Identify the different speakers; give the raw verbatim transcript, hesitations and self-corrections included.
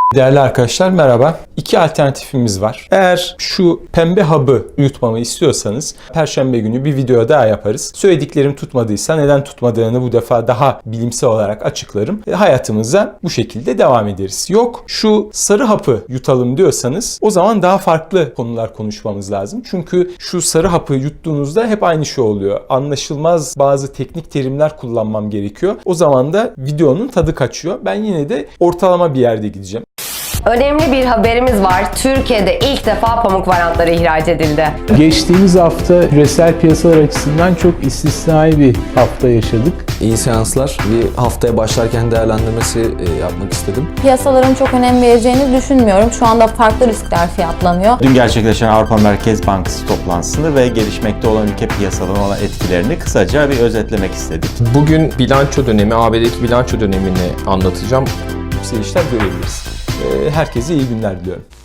Speaker 1: Değerli arkadaşlar merhaba. İki alternatifimiz var. Eğer şu pembe hub'ı yutmamı istiyorsanız Perşembe günü bir video daha yaparız. Söylediklerim tutmadıysa neden tutmadığını bu defa daha bilimsel olarak açıklarım. E, hayatımıza bu şekilde devam ederiz. Yok şu sarı hapı yutalım diyorsanız o zaman daha farklı konular konuşmamız lazım. Çünkü şu sarı hapı yuttuğunuzda hep aynı şey oluyor. Anlaşılmaz bazı teknik terimler kullanmam gerekiyor. O zaman da videonun tadı kaçıyor. Ben yine de ortalama bir yerde gideceğim.
Speaker 2: Önemli bir haberimiz var. Türkiye'de ilk defa pamuk varyantları ihraç edildi.
Speaker 3: Geçtiğimiz hafta küresel piyasalar açısından çok istisnai bir hafta yaşadık.
Speaker 4: İyi seanslar. Bir haftaya başlarken değerlendirmesi yapmak istedim.
Speaker 5: Piyasaların çok önem vereceğini düşünmüyorum. Şu anda farklı riskler fiyatlanıyor.
Speaker 6: Dün gerçekleşen Avrupa Merkez Bankası toplantısını ve gelişmekte olan ülke piyasalarına olan etkilerini kısaca bir özetlemek istedik.
Speaker 7: Bugün bilanço dönemi, A B D'deki bilanço dönemini anlatacağım.
Speaker 1: Yükselişler görebiliriz. Herkese iyi günler diliyorum.